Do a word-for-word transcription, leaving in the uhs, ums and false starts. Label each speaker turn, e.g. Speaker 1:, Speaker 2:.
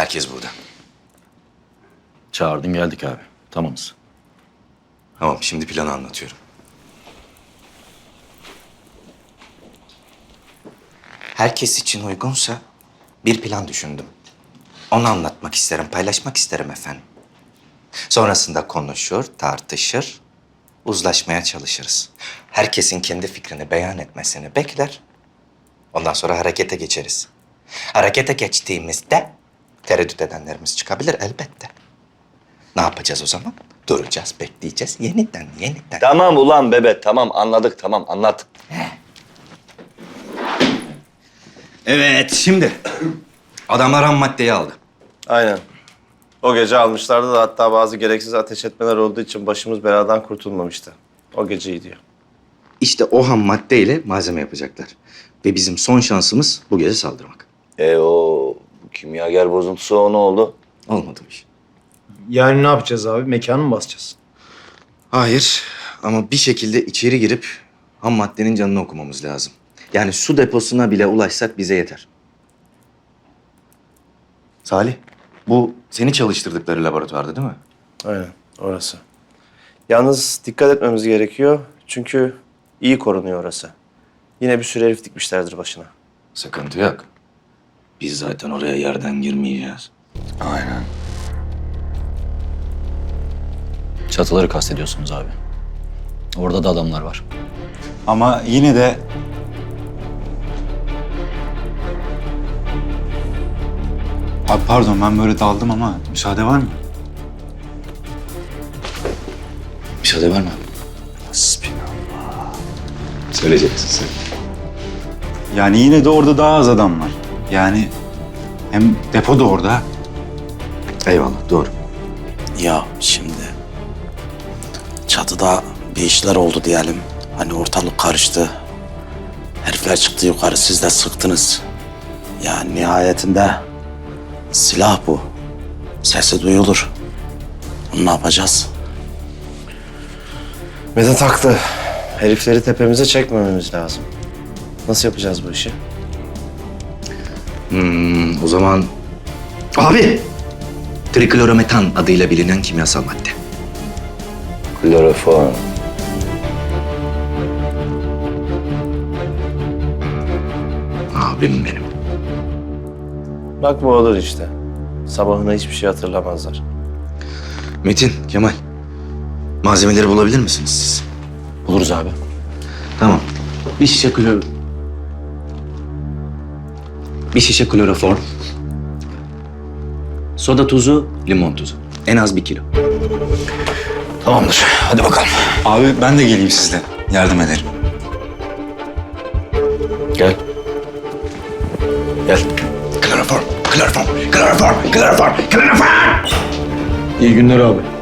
Speaker 1: Herkes burada.
Speaker 2: Çağırdın geldik abi. Tamamız.
Speaker 1: Tamam, şimdi planı anlatıyorum. Herkes için uygunsa bir plan düşündüm. Onu anlatmak isterim, paylaşmak isterim efendim. Sonrasında konuşur, tartışır, uzlaşmaya çalışırız. Herkesin kendi fikrini beyan etmesini bekler. Ondan sonra harekete geçeriz. Harekete geçtiğimizde tereddüt edenlerimiz çıkabilir elbette. Ne yapacağız o zaman? Duracağız, bekleyeceğiz. Yeniden, yeniden.
Speaker 3: Tamam ulan bebe, tamam anladık, tamam anlat.
Speaker 1: Evet, şimdi adamlar ham maddeyi aldı.
Speaker 3: Aynen. O gece almışlardı da hatta bazı gereksiz ateş etmeler olduğu için başımız beladan kurtulmamıştı. O geceyi diyor.
Speaker 1: İşte o ham maddeyle malzeme yapacaklar. Ve bizim son şansımız bu gece saldırmak.
Speaker 3: E o kimyager bozuntusu o ne oldu?
Speaker 1: Olmadı bu iş.
Speaker 4: Yani ne yapacağız abi? Mekanı mı basacağız?
Speaker 1: Hayır ama bir şekilde içeri girip ham maddenin canını okumamız lazım. Yani su deposuna bile ulaşsak bize yeter. Salih, bu seni çalıştırdıkları laboratuvarda değil mi?
Speaker 3: Aynen, orası. Yalnız dikkat etmemiz gerekiyor çünkü iyi korunuyor orası. Yine bir sürü herif dikmişlerdir başına.
Speaker 1: Sıkıntı yok. Biz zaten oraya yerden girmeyeceğiz.
Speaker 2: Aynen. Çatıları kastediyorsunuz abi. Orada da adamlar var.
Speaker 5: Ama yine de... Abi pardon ben böyle daldım ama müsaade var mı?
Speaker 1: Müsaade var mı? Söyleyeceksin sen.
Speaker 5: Yani yine de orada daha az adam var. Yani hem depo da orada.
Speaker 1: Eyvallah, doğru.
Speaker 6: Ya şimdi çatıda bir işler oldu diyelim. Hani ortalık karıştı. Herifler çıktı yukarı, siz de sıktınız. Ya nihayetinde silah bu. Sesi duyulur. Bunu ne yapacağız?
Speaker 3: Vedat haklı. Herifleri tepemize çekmememiz lazım. Nasıl yapacağız bu işi?
Speaker 1: Hmm, o zaman... Abi! Triklorometan adıyla bilinen kimyasal madde.
Speaker 3: Kloroform.
Speaker 1: Abim benim.
Speaker 3: Bak bu olur işte. Sabahına hiçbir şey hatırlamazlar.
Speaker 1: Metin, Kemal. Malzemeleri bulabilir misiniz siz?
Speaker 2: Buluruz abi.
Speaker 1: Tamam. Bir şişe klor... Bir şişe kloroform. Soda tuzu, limon tuzu. En az bir kilo.
Speaker 2: Tamamdır. Hadi bakalım.
Speaker 5: Abi ben de geleyim sizle. Yardım ederim.
Speaker 2: Gel. Gel.
Speaker 1: Kloroform, kloroform, kloroform, kloroform, kloroform!
Speaker 4: İyi günler abi.